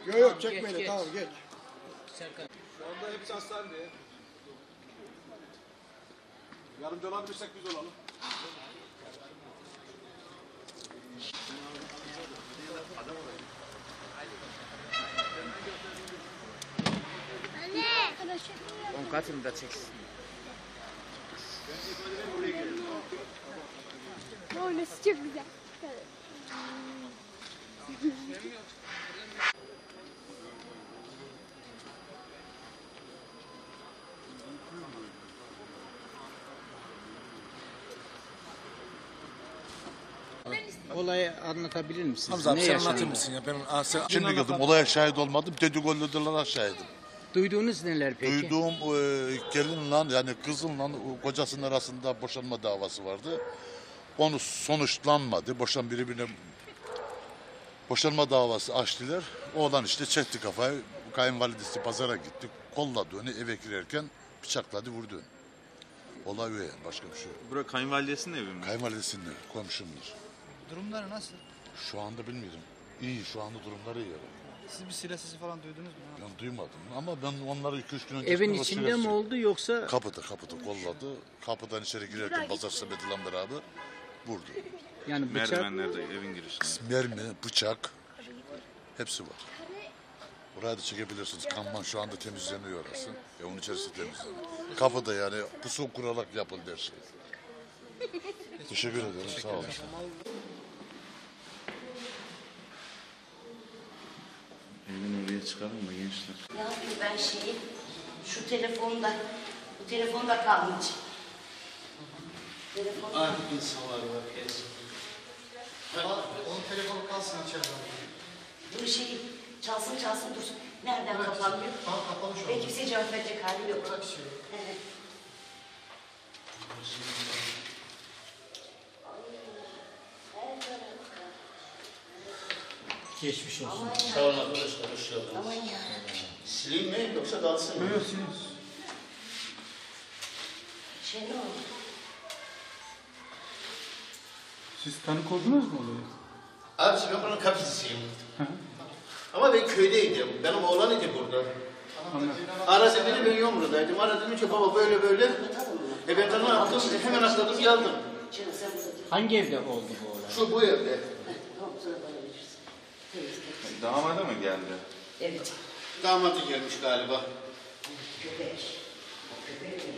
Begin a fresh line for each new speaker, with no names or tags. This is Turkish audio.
Yok yok çekmeyin
geç.
tamam geç.
Serkan.
Şu anda hepsi hastanede. Yardımcı olabilirsek biz olalım.
On katını da çeksin.
Oynası çok güzel.
Olayı anlatabilir misiniz?
Hamza abi
Ne
sen
yaşandı?
anlatır mısın ya? Ben
Şimdi girdim, olaya şahit olmadım. Dedikodulara şahidim.
Duyduğunuz neler peki?
Duyduğum gelinle yani kızınla kocasının arasında boşanma davası vardı. Onu sonuçlanmadı. Birbirine boşanma davası açtılar. Oğlan işte çekti kafayı. Kayınvalidesi pazara gitti. Kolladı onu, eve girerken bıçakladı, vurdu. Olay o yani, başka bir şey yok.
Bura kayınvalidesinin evi mi?
Kayınvalidesinin evi, komşumdur.
Durumları nasıl?
Şu anda bilmiyorum. İyi, şu anda durumları iyi.
Siz bir silah sesi falan duydunuz mu?
Ben duymadım ama ben onları 2-3 gün önce...
Evin içinde mi oldu yoksa?
Kapıda kolladı. Kapıdan içeri girerken pazar sepetiyle beraber vurdu.
Yani bıçak
Merdivenlerde, evin girişinde.
Mermi, bıçak hepsi var. Buraya da çekebilirsiniz. Kanman şu anda temizleniyor orası. Onun içerisi temizleniyor. Kapıda yani pusu kurarak yapıldı her şey. Teşekkür ederim. Sağ olun.
Evden oraya çıkalım mı gençler?
Ne yapayım ben şeyi? Şu telefonda, bu telefonda kalmış. Telefonda.
Artık insanlar var.
Onun telefonu kalsın içeride.
Bu şey çalsın dursun. Nereden kapanıyor?
Tam kapalı şu
Ve kimseye cevap verecek hali yok.
Bırak şey.
Evet.
geçmiş olsun.
Sağ olun arkadaşlar, hoş geldiniz.
Aman ya.
Sileyim mi yoksa dalsın mı?
Şey ne oldu?
Siz tanık oldunuz mu olayı?
Abisi ben buranın kapısıyım. Ama ben köydeydim. Benim oğlan idi burada. Aradı beni, ben Yomru'daydım. Aradı dedim ki baba böyle böyle. Ben de ne yaptım? Hemen atladım geldim.
Canım sen burada dur.
Hangi evde oldu bu olay?
Şu bu evde.
Tamam sonra bana verirsin. Temiz.
Damada mı geldi?
Evet.
Damadı gelmiş galiba.
Köpek. O köpek mi?